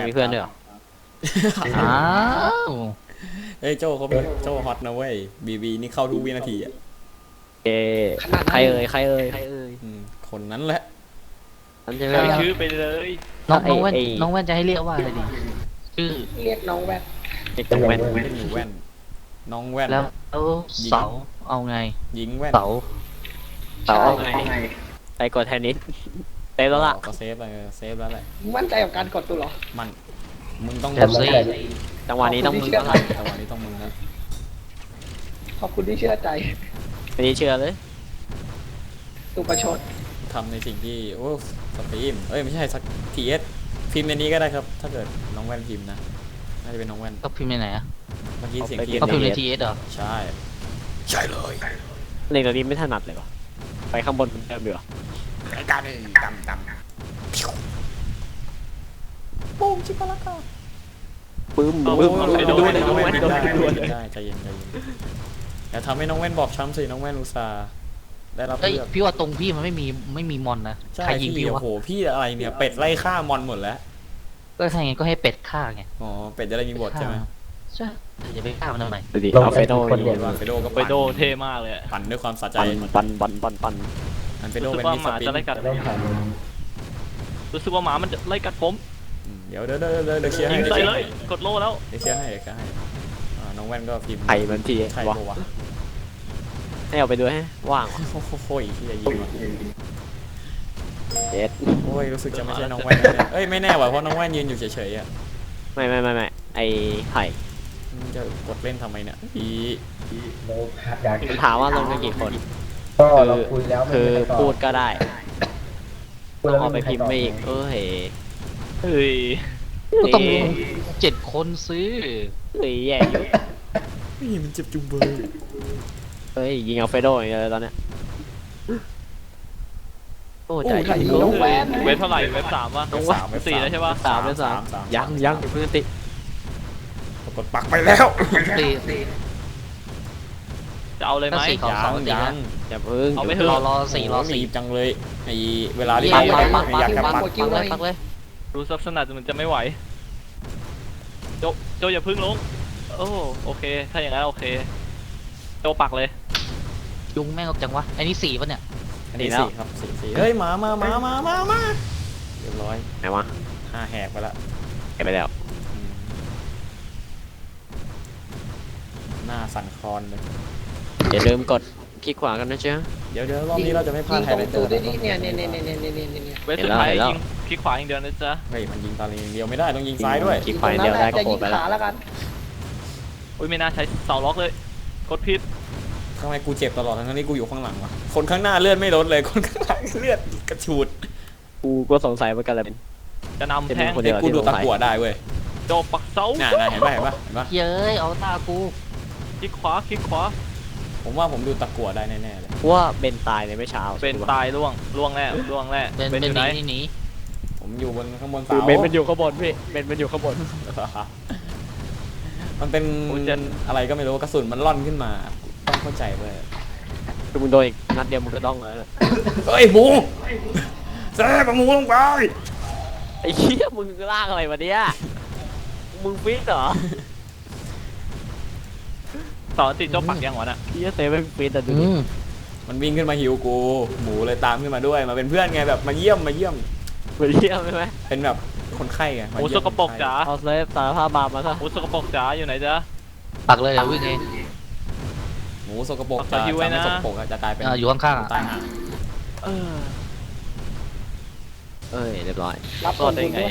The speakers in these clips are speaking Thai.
มีเพื่อนด้วยเหรออ้าวเฮ้ยโจ้เขาเป็นโจ้ฮอตนะเว้ยบีนี่เข้าทุกวินาทีอ่ะเอใครเอ่ยใครเอ่ยใครเอ่ยคนนั้นแหละนั่นใช่ไหมใส่ชื่อไปเลยน้องแว่นไอ้น้องแว่นจะให้เรียกว่าอะไรดีชื่อเรียกน้องแว่นเด็กตรงแว่นเล่นหนูแว่นน้องแว่นแล้วเสาเอาไงหญิงแว่นเสาเสาไงไปกดเทนนิสเต็มแล้วล่ะก็เซฟไปเซฟแล้วแหละมั่นใจกับการกดตัวเหรอมันมึงต้องเดี๋ยวสิจังหวะนี้ต้องมึงแล้วล่ะจังหวะนี้ต้องมึงนะขอบคุณที่เชื่อใจไม่ได้เชื่อเลยตุประชดทำในสิ่งที่โอ้สตรีมเอ้ยไม่ใช่สักทีเอสพิมพ์ในนี้ก็ได้ครับ ถ้าเกิดน้องแว่นพิมพ์นะน่าจะเป็นน้องแว่นก็พิมพ์ในไหนอ่ะเมื่อกี้เสียงก็พิมพ์ในทีทีเอสเหรอใช่ใช่เลยในตอนนี้ไม่ถนัดเลยวะไปข้างบนเหมือนเดิมดีกว่าไอ้การดำปุ้งชิบะละกาปึ้มปึ้มไปดูด้วยน้น้ออง งแว่แว่นนดูได้ด้วยได้ใจเย็นอย่าทำให้น้องแว่นบอบช้ำสิน้องแว่นอุตส่าห์ได้รับเฮ้ยเลือกพี่ว่าตรงพี่มันไม่มีมอนนะใช่ใครยิงพี่พี่โอ้วะโหพี่อะไรเนี่ยเป็ดไล่ฆ่ามอนหมดแล้วก็ใช่ไงก็ให้เป็ดฆ่าไงอ๋อเป็ดจะได้มีบทใช่ไหมใช่อย่าไปฆ่ามันทำไมดูดิเอาเฟโดเห็นว่าเฟโดก็ไปโดเท่มากเลยปั่นด้วยความสะใจปันอันเฟโดรู้สึเป็นกว่ามิสหมาปินจะไล่กัดรู้สึกว่าหมามันจะไล่กัดผมเดี๋ยวเคลียร์ให้ยิงใส่เลยกดโล่แล้วเดี๋ยวเคลียร์ให้น้องแว่นก็พิมพ์ไข่มันทีใช่วะปะวะให้เอาไปด้วยให้ว่างโอ้ยที่จะยิงเจ็ดโอ้ยรู้สึกจะไม่ใช่น้องแว่นนะเอ้ยไม่แน่ว่ะเพราะน้องแว่นยืนอยู่เฉยๆอ่ะไม่ไอไข่จะกดเล่นทำไมเนี่ยอีเราอยากมันถามว่าลงกันกี่คนก็เราคุยแล้วไม่คือมีใครตอบพูดก็ได้พูดต้องแล้วเอาไปไม่มีใครพิมพ์ตอบไปอีกเฮ้ยเฮ้ยก็ต้อง7 คนซื้อเฮ้ยแย่อยู่นี่มันเจ็บจุงเบยเฮ้ยยิงเอาเฟโดอย่างเดียวเลยตอนเนี้ยโอ้ใจน้องแว่นเว็บเท่าไหร่เว็บสามวะ 4แล้วใช่ปะสามยังเพิ่งติกดปักไปแล้วตีจะเอาเลยไหมก็สี่ยังอย่าเพิ่งเอาไปเถอะรอสี่รอรีสี่บจังเลยไอเวลารีบปักไม่อยากจะปักปักเลยรู้ซับสนัดมันจะไม่ไหวโจอย่าพึ่งลงโอ้โอเค ถ้าอย่างนั้นโอเคโจปักเลยยุงแม่งออกจังวะไอ้นี่4ป่ะเนี่ยอันนี้4ครับ4เฮ้ยมาเรียบร้อยไหนวะ 5แหกไปละเก็บไปแล้วหน้าสั่นคลอนเลยอย่าลืมกดคลิกขวากันนะเจ้าเดี๋ยวรอบนี้เราจะไม่พลายิดงไฮตรไลงท์เตตูอดร์ด้วยนี่เนี่ยเว็บสุดท้ายยิงคลิกขวาอย่างเดียวนะจ๊ะเฮ้ยมันยิงตาลีเดียวไม่ได้ต้องยิงซ้ายด้วยคลิกขวาอย่างเดียวได้ก็จะโผยิล่งไปแล้ขาว แล้วกันอุ้ยไม่น่าใช้เสาล็อกเลยกดผิดทำไมกูเจ็บตลอดทั้งที่กูอยู่ข้างหลังวะคนข้างหน้าเลือดไม่ลดเลยคนข้างหลังเลือดกระฉูดกูก็สงสัยเหมือนกันแหละจะนำแทงคนเดีเด็ยวกกูดูตะกั่วได้เว้ยโจปักเสาน่าเห็นปะเย้ยเอาตากูคลิกขวาผมว่าผมดูตะกั่วได้แน่ๆเลยว่าเบนตายในไม่เช้าเป็นตายล่วงแน่เป็นอยู่ไหนหนีผมอยู่บนข้างบนคืเสาอเบนมันอยู่ข้างบนพี่เบนมันอยู่ข้างบนมันเป็นอะไรก็ไม่รู้กระสุนมันล่อนขึ้นมาต้องเข้าใจเว้ยคือมึงโดนอีกนัดเดียวมึงก็ต้องเลยเฮ้ยหมูแซ่บหมูลงไปไอ้เหี้ยมึงลากอะไรมาเนี่ยมึงฟิตเหรอสอนติดโจปักยังวะน่ะเหี้ยเซฟไม่ฟิตแต่ดูดิมันวิ่งขึ้นมาหิวกู หมูเลยตามขึ้นมาด้วยมาเป็นเพื่อนไงแบบมาเยี่ยมเหมือนเหี้ยใช่ไหมเป็นแบบคนไข้ไงหมูสกปรกจ๋าเอาเซฟสารภาพบาปมาซะหมูสกปรกจ๋าอยู่ไหนจ๊ะปักเลยเดี๋ยววิ่งเองหมูสกปรกจะไม่สกปรกจะกลายเป็นอยู่ข้างๆตายห่าเออเอ้ยเรียบร้อยรับรอดได้ไง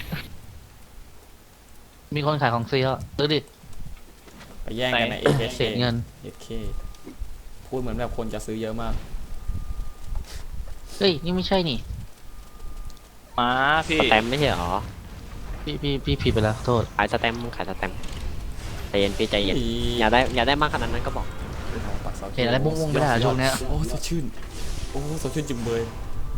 มีคนขายของฟรีแล้วซื้อดิไปแย่งกันในเศษเงิน AK พูดเหมือนแบบคนจะซื้อเยอะมากเฮ้ยนี่ไม่ใช่นี่มาพี่สแตมป์ไม่ใช่เหรอพี่ผิดไปแล้วโทษขายสแตมป์มึงขายสแตมป์ใจเย็นพี่ใจเย็นอย่าได้มากขนาดนั้นก็บอกเห็นอะไรม่วงๆไม่ได้เหรอช่วงเนี้ยโอ้สดชื่นโอ้สดชื่นจุ่มเบย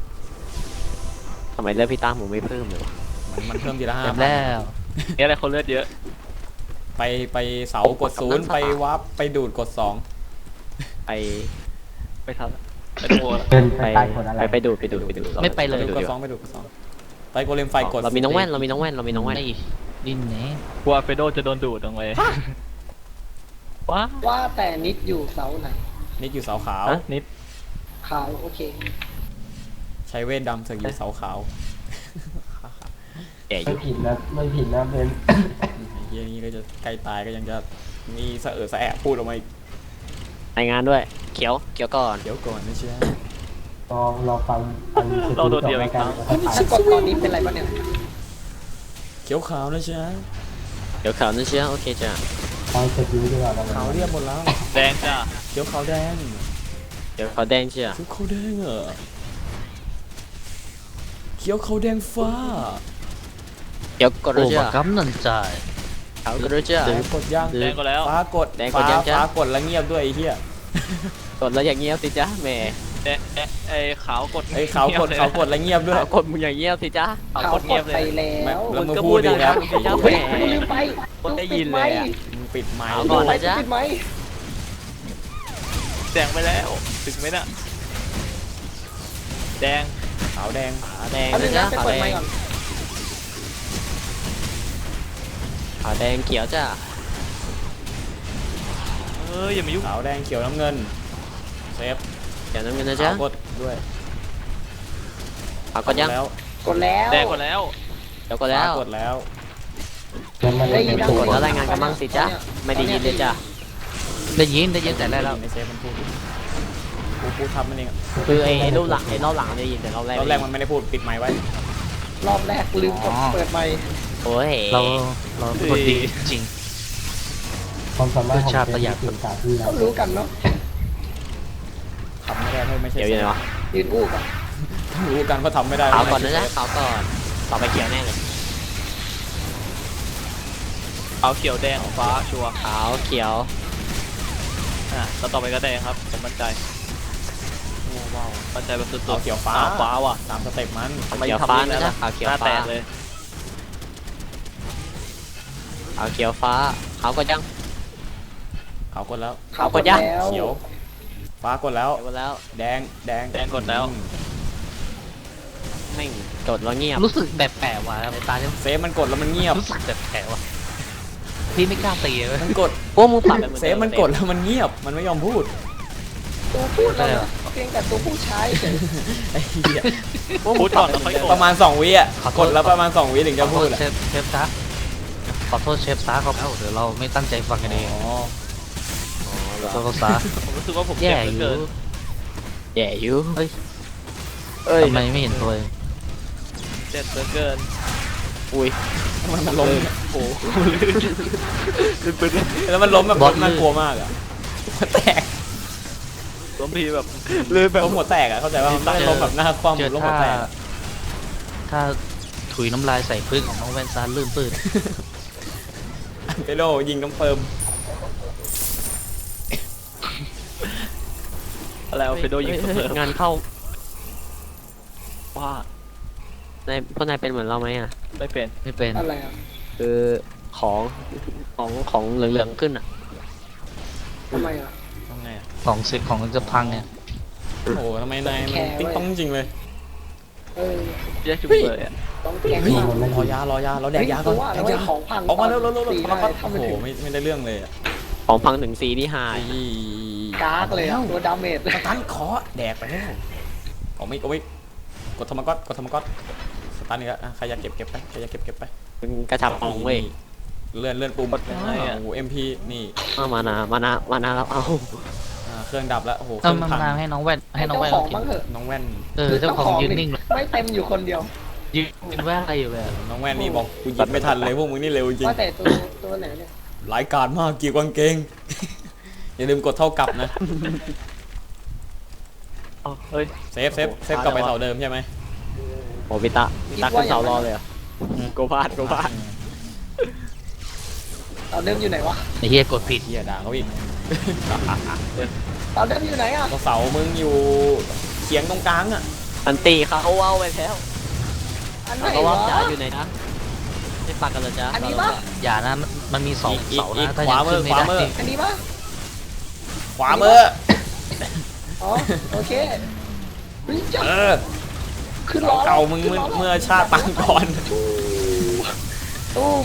ทำไมเลือดพี่ตั้มมึงไม่เพิ่มเลยวะมันเพิ่มทีละเต็ม 5,000 แล้วนี่อะไรคนเลือดเยอะไปเสากด0ไปวับไปดูดกด2 ไปไปทันไปดูเดินไปไปใต้คนอะไรไปดูดไม่ไปเลยไปดูดกดีดกว่า 2ไปดูดกด2 ไปโกเลมไฟกดเรามีน้องแว่นเรามีน้องแว่นเรามีน้องแว่นไอ้ดินแหนกลัวเฟโดจะโดนดูดลงไปว้าว่าแต่นิดอยู่เสาไหนนี่อยู่เสาขาวฮะนิดขาวโอเคใช้เวทดำเสือกอยู่เสาขาวแก่อไม่ยู่ผิดนะไม่ผิดนะเป็นไอ้เฮียนี่ก็จะใกล้ตายก็ยังจะมีสะเออสะแอะพูดออกมาอีกรายงานด้วยเขียวก่อนเดี๋ยวก่อนนะเชียรอฟังอันสุดจบแล้วกันสะกดตอนนี้เป็นไรบ้างเนี่ยเขียวขาวนะเชียเขียวขาวนั่นเชียวโอเคจ้ะฟังสุดดีดีกว่าขาวเรียบหมดแล้วแดงจ้ะเขียวขาวแดงเขียวขาวแดงเชียวเขียวขาวแดงเหรอเขียวขาวแดงฟ้าเขียวกดโอ้ด้วยเชียบากำนันใจขาวกดด้วยเชียวแดงกดยังแดงก็แล้วฟ้ากดแดงกดยังจ๊ะฟ้ากดแล้วเงียบด้วยไอ้เหี้ยกดแล้วอย่างเงียบสิจ้ะแหม่แดงไอ้ขาวกดไอ้ขาวกดขาวกดแล้วเงียบด้วยขาวกดมึงอย่างเงียบสิจ้ะขาวขาวกดกเงียดบเลไปยแล้วแล้วมึมึงงก็พูพูดดดีดัแล้วงๆสิจ้ะเฮ้แหยม่ลืมไปคนได้ยินเลยอะมึงปิดไมค์เอาก่อนนะจ๊ะปิดไหมแดงไปแล้วถึงไหมน่ะแดงขาวแดงขาวแดงเอานะเรื่องจ๊ะนั้นไปขาวเปิดแดไมงค์ก่อนขาวแดงเขียวจ้ะอย่ามายุ่งขาวแดงเขียวน้ำเงินเซฟเขียวน้ำเงินนะขาจ๊ะวกดด้วยขาวกดยังแล้วกดแล้วแดงกดแล้วเขียวกดแล้วฟ้ากดแล้วได้ยินกดแล้วรายงานกันบ้างสิจ๊ะไม่ได้ยินเลยจ้ะได้ยินแต่แรกแล้วในเซฟมันพูดกูทำมันเองอะคือไอ้รูปหลังไอ้รอบหลังได้ยินแต่รอบแรกตอนแรกมันไม่ได้พูดปิดไมค์ไว้รอบแรกลืมกดเปิดไมค์โอ้ยเราเป็นคนดีจริงความสามารถของชาติประหยัดเก่งกาจที่เราก็รู้กันเนาะทำไม่ได้ถ้าไม่ใช่เขียวอยู่ไหนวะยืนอู้กันต้องรู้กันว่าทำไม่ได้ขาวก่อนนะจ๊ะขาวก่อนต่อไปเขียวแน่เลยขาวเขียวแดงฟ้าชัวร์ขาวเขียวแล้วต่อไปก็แดงครับผมมั่นใจมั่นใจแบบสุดขาวเขียวฟ้าฟ้าว่ะตามสเต็ปมันขาวเขียวฟ้านะจ๊ะขาวเขียวหน้าแตฟ้ากเลยขาวเขียวฟ้าขาวกดยังขาวกดแล้วขาวกกดดยังแล้วเขียว ฟ้ากดแล้วเขียวกดแล้วแดงแดงแดงกดแล้วแม่งกดแล้วเงียบรู้สึกแบบแปลกว่ะในตาเนี่ยเซฟมันกดแล้วมันเงียบรู้สึกแบบแปลกว่ะพี่ไม่กล้าตีเลยมันกดพวกมึงปรับเป็นเหมือนเซดิฟมันกดแล้วมันเงียบ มันไม่ยอมพูดตัวพูดแล้วนะเพียงแต่ตัวผู้ชายเฉยไอ้เหี้ยพูดก่อนแล้วค่อยกดประมาณ2วิอ่ะกดแล้วประมาณ2วิถึงขจะอโทพูษดอ่ะเชฟซะขอโทษเชฟซะเขาแล้วเดี๋ยวเราไม่ตั้งใจฟังกันเองอ๋อขอโทษซะผมรู้สึกว่าผมแย่เจ็บอเหลืยู่อเกินแย่อยู่เฮ้ยเอ้ยทำไมไม่เห็นตัวเองเจ็บเหลือเกินอุ้ยมันล้มโอ้แล้วมันล้มแบบล้มน่ากลัวมากอ่ะหัวแตกล้มทีแบบล้มหัวแตกอ่ะเข้าใจว่ามันไม่ได้ล้มแบบหน้าคว่ำเจอล้มหัวแตกถ้าถุยน้ำลายใส่พึ่งของน้องแวนซานลื่นปืนเปโดยิงน้ำเฟิร์มอะไรเอาเฟโดยิงเสมองานเข้าว่าในพวกนายเป็นเหมือนเราไหมอ่ะไม่เป็นไม่เป็นอะไรอ่ะคือของเหลืองๆขึ้นอ่ะทำไมอ่ะทำไงอ่ะของสิของจะพังเนี่ยโอ้โหทำไมนายมันติ๊งต้องจริงเลยเออแยกจุดเลยอ่ะต้องแกล้งเฮ้ยมากรอยาเราแดกยาก่อนว่าแดแล้วกไอ้ยาของพังออกมาเร็วสีๆได้ๆทำโอ้ไม่โหถึงไม่ได้เรื่องเลยอ่ะของพังถึงซีนี่หายกากเลยอ่ะตัวดาเมจสตันขอแดกไปแล้วเอาไม่กดธรรมก๊อตสตันนี่ก็ใครอยากเก็บไปใครอยากเก็บไปเป็นกระชับของเว้ยเลื่อนปุ่มโอ้โห MP นี่มานาแล้วเอาเครื่องดับแล้วโอ้โหเคเอารื่องมาพังให้น้องแว่นให้น้องแว่นเจ้าขเราองกินบ้างเถอะน้องแว่นเจ้าของยืนนิ่งเลยไม่เต็มอยู่คนเดียวยืนแว่นอะไรอยู่เลยอะน้องแว่นนี่บอกกูหยิบไม่ทันเลยพวกมึงนี่เร็วจริงว่าแต่ตัวไหนเนี่ยหลายการมากเกี่ยวกางเกง อย่าลืมกดเท่ากับนะอ๋อเฮ้ยเซฟกลับไปเสาเดิมใช่ไหมโอ้พิตาขึ้นเสารอเลยเหรอโกพาดเราเดิมอยู่ไหนวะไอ้เฮียกดผิดเฮียด่าเขาอีกเราเดิมอยู่ไหนอ่ะก็เสามึงอยู่เฉียงตรงกลางอ่ะอันตีเขาเอาไปแล้วอันไหนเขาว่าวะจ๋าอยู่ไหนนะไม่ปักกันเหรอจ๊ะอันนี้ปะอย่านะมันมีสองเสานะถ้าขยัวาง มืขึ้อนไม่ขวาได้มืออันนี้ปะขวามืออ๋อโอเควิ่งจับเออขึ้นล้อเก่ามึงเมื่อชาติปางก่อนตุ้ม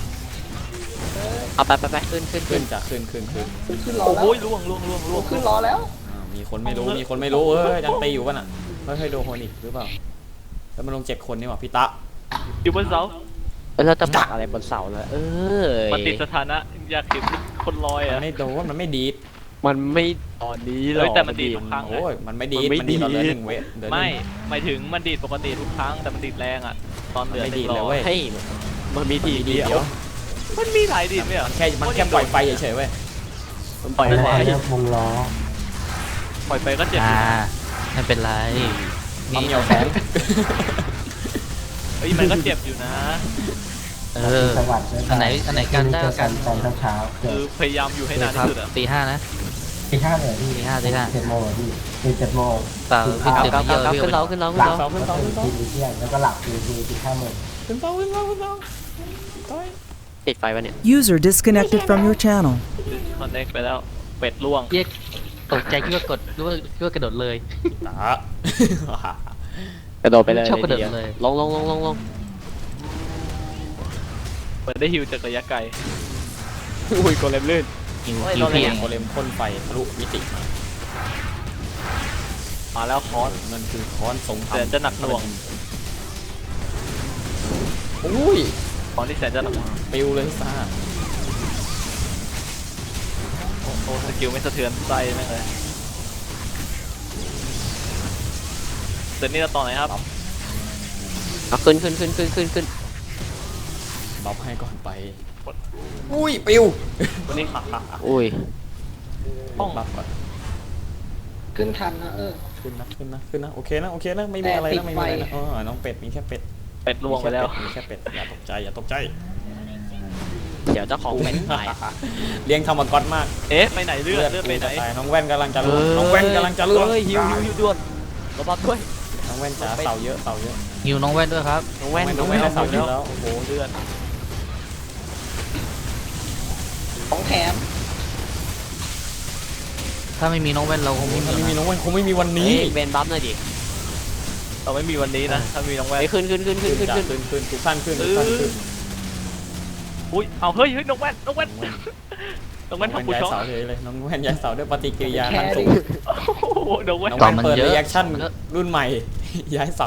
เอาไปขึ้นขึ้นจ้ะขึ้นขึ้นล้อโอ้แล้วโหล่วงขึ้นล้อแล้วมีคนไม่รู้เฮ้ยยังตีอยู่ป่ะน่ะเฮ้ยโดนคนอีกหรือเปล่าแล้วมันลง7 คนนี่หว่าพี่ตะอยู่บนเสาเราจะปักอะไรบนเสาเลยมันติดสถานะอยากเห็นคนลอยมัอ่ะนไม่โดนมันไม่ดีดมันไม่ตอนนี้หรเฮ้อย กแต่มันดีดทุกครั้งโอ้ยมันไม่ดีดมันไม่มันดีดตอนเหลือดีด 1 เวทเหลือไม่หมายถึงมันดีดปกติทุกครั้งแต่มันดีดแรงอ่ะตอนเหลือมันไม่ดีด 100 เลยเว้ยให้มันมีทีดีเดีเดี๋ยยว วมันมีหลายดีดไหมอ่ะมันแค่ปล่อยไฟเฉยๆเว้ยมันปล่อยแล้วไฟเรียกวงล้อปล่อยไปก็เจ็บไม่เป็นไรความเหนียวแสงเฮ้ยมันก็เจ็บอยู่นะเออจังหวัดด้วยอันไหนกันได้เจอกักัน นตอนเช้าเกิคือดพยายามอยู่ให้นานครัที่บสุดอ่ะตี 5นะตี 5เลยพี่ตีห้า 7 โมงพี่ตื่น7 โมงเปล่าพี่กลับเต็มกลับเยอะกลับพี่ขึ้นเราขึ้นเราหขึ้ลันบเราแล้วก็ตื่นทีเที่ยงแล้วก็หลับตี 5 โมงขึ้นเสาติดไฟวะเนี่ย User disconnected from your channel. คอนเน็กไปแล้วเป็ดล่วงเรียกตกใจคิดว่ากดคิดว่ากระโดดเลยตะกระโดดไปเลยชอบกระโดดเลยลงเปิดได้ฮิวจากระยะไกลอุ้ยโกเลมลื่นหิวโอ้ยหิวเราเลยเพียงโคเลมพ่นไฟทะลุมิติมามาแล้วคอสมันคือค้อนสงครามแต่จะหนักหน่วงอุ้ยคอนที่แสนจะหนักหน่วงปิวเลยซ่าโอ้โหสกิลไม่สะเทือนใจแม่งเลยเดี๋ยวนี้เราต่อไหนครับเอาขึ้นบัฟให้ก่อนไป อุ้ยปิววันนี้อุ้ยต้องบัฟก่อนขึ้นทันนะขึ้นนะโอเคนะไม่มีอะไรนะไม่มีอะไรนะน้องเป็ดมีแค่เป็ดเป็ดล่วงไปแล้วมีแค่เป็ดอย่าตกใจเดี๋ยวเจ้าของเป็นตายเลี้ยงธรรมก๊อตมากเอ๊ะไปไหนเลือดไปไหนตายน้องแว่นกำลังจะล่วงน้องแว่นกำลังจะล่วงเฮ้ยฮิวด่วนระวังด้วยน้องแว่นจ๋าเสาเยอะหิวน้องแว่นด้วยครับน้องแว่นน้องแว่นได้เสาเยอะแล้วโอ้โหเลือดของแถมถ้าไม่มีน้องแว่นเราคงไม่ถ้าไม่มีมีน้องแว่นคงไม่มีวันนี้เบนบัฟหน่อยดิเราไม่มีวันนี้นะถ้ามีน้องแว่นไปขึ้นขึ้นทุกท่านขึ้นอุ้ยเอาเฮ้ยน้องแว่นน้องแว่นทำผู้ย้ายช็อตเสาเลยน้องแว่นย้ายเสาด้วยปฏิกิริยาทางสูงโอ้โหน้องแว่นน้องแว่นเปิดรีแอคชั่นรุ่นใหม่ ย้ายเสา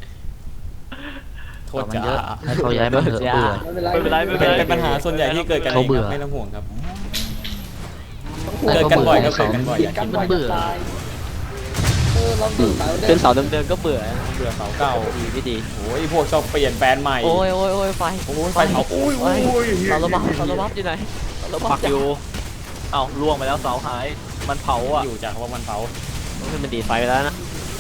โทต่อษมันจ้าเยอะให้เขาย้ายมาเถอะเบื่อไม่เป็นไรเป็นปัญหาส่วนใหญ่ที่เกิดกันเองครับไม่ต้องห่วงครับให้เกิดเขากันเบื่บ่ออยให้ก็เขาเกิดกันบ่อยติดกันบ่อยจะตายเราเบื่อขึ้นเสาเดิมๆก็เบื่อเบื่อเสาเก่าดีไม่ดีโอ้ยพวกชอบเปลี่ยนแบรนด์ใหม่โอ้ยไฟโอ้ยไฟเผาอุ้ยเสาระบับอยู่ไหนเสาระบัปับกอยู่เอ้าล่วงไปแล้วเสาหายมันเผาอ่ะอยู่จากว่ามันเผามันดีดไฟไปแล้วนะ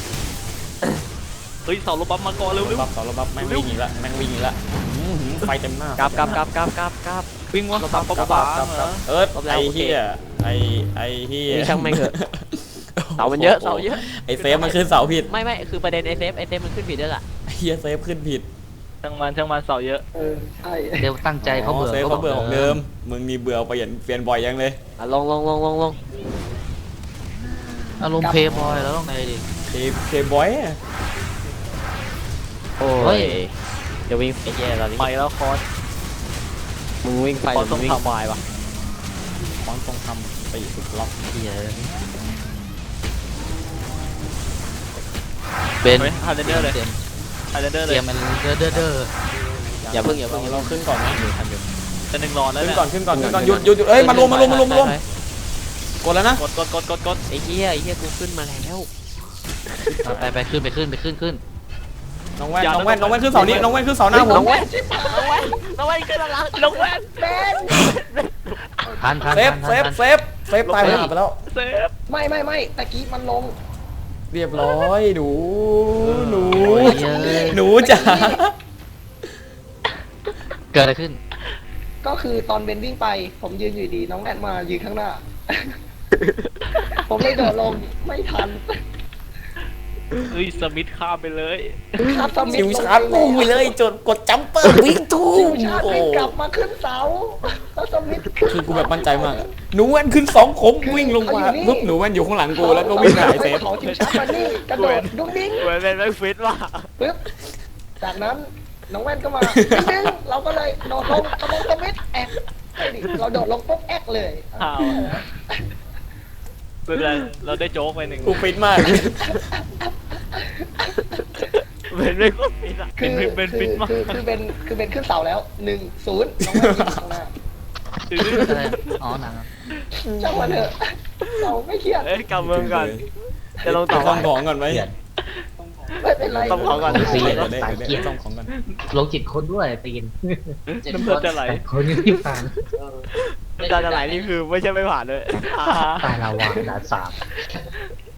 เฮ้ยเสาลบปั๊บมาก่อนเร็วบัฟเสาระบัฟแม่งวิ่งอีกละไฟเต็มหน้ากลับวิ่งวะปั๊บเหรอไอ้เฮียไอ้เฮียช่างแม่งเถอะเสามันเยอะไอ้เซฟมันขึ้นเสาผิดไม่คือประเด็นไอเซฟมันขึ้นผิดด้วยล่ะไอ้เฮียเซฟขึ้นผิดช่างมันเสาเยอะใช่เดี๋ยวตั้งใจเขาเบื่อเซฟเขาเบื่อของเดิมมึงนี่เบื่อเปลี่ยนบ่อยยังเลยลงอารมณ์เพย์บอยแล้วต้องไงดิเคบอยโอ้ยเดี๋ยววิ่งไฟแย่ตอนนี้ไปแล้วคอสมึงวิ่งไฟมึงวิ่งควายวะของทรงทำตีสุดล็อกเฮียเบนเฮ้ยฮาร์เดนเดอร์เลยเตรียมฮาร์เดนเดอร์เตเลรียยมมันเด้ออย่าเพิ่งเราขึ้นก่อนนะอยู่ทันอยู่จะหนึ่งรอแล้วขึ้นเนี่ยก่อนหยุดเอ้ยมารวมกดแล้วนะกดไอ้เหี้ยกูขึ้นมาแล้วไปขึ้นน้องแว่นขึ้นเสานี้น้องแว่นขึ้นเสาหน้าผมน้องแว่นขึ้นแล้วน้องแว่นทันเซฟตายไปแล้วเซฟไม่ตะกี้มันลงเรียบร้อยหนูยจ๋าเกิดอะไรขึ้นก็คือตอนเบนวิ่งไป ผมยืนอยู่ดีน้องแอนมายืนข้างหน้า ผมเลยโดดลงไม่ทันเฮ้ยสมิธข้ามไปเลยครับสมิธชิวชาร์จปุ้งไปเลยจนกดจัมเปอร์วิ่งทุ่ชิวมชาร์จโอ้วิ่งกลับมาขึ้นเสาแล้วสมิธคือกูแบบมั่นใจมากอะหนูแว่นขึ้น2 ขมวิ่งลงมาปุ๊บหนูแว่นอยู่ข้างหลังกูแล้วก็วิ่งหายเซฟของชิวชาร์จมานี่กระโดดดุ้งดิ้งเหมือนเป็นแม็กฟิตว่ะปึ๊บจากนั้นน้องแว่นก็มาดึงเราก็เลยโดดลงสมิธแอกเราโดดลงปุ๊บแอกเลยอ้าวเป็นไรเราได้โจ๊กไปหนึ่งกูฟิตมากเป็นแม็กฟิตอ่ะคือเป็นขึ้นเสาแล้ว1-0น้องแว่นยิงข้างหน้าอะไรอ๋อหนังช่างมันเถอะเราไม่เครียดเอ้ยกำมือก่อนจะลงต่อซ่อมของก่อนไหมเกลียดไม่เป็นไรต้องของก่อนเสียเดี๋ยวได้ซ่อมของก่อนลงจิตคนด้วยตีนน้ำตาจะไหลคนยังไม่ผ่านน้ำตาจะไหลนี่คือไม่ใช่ไม่ผ่านเลยตายละวานด่านสาม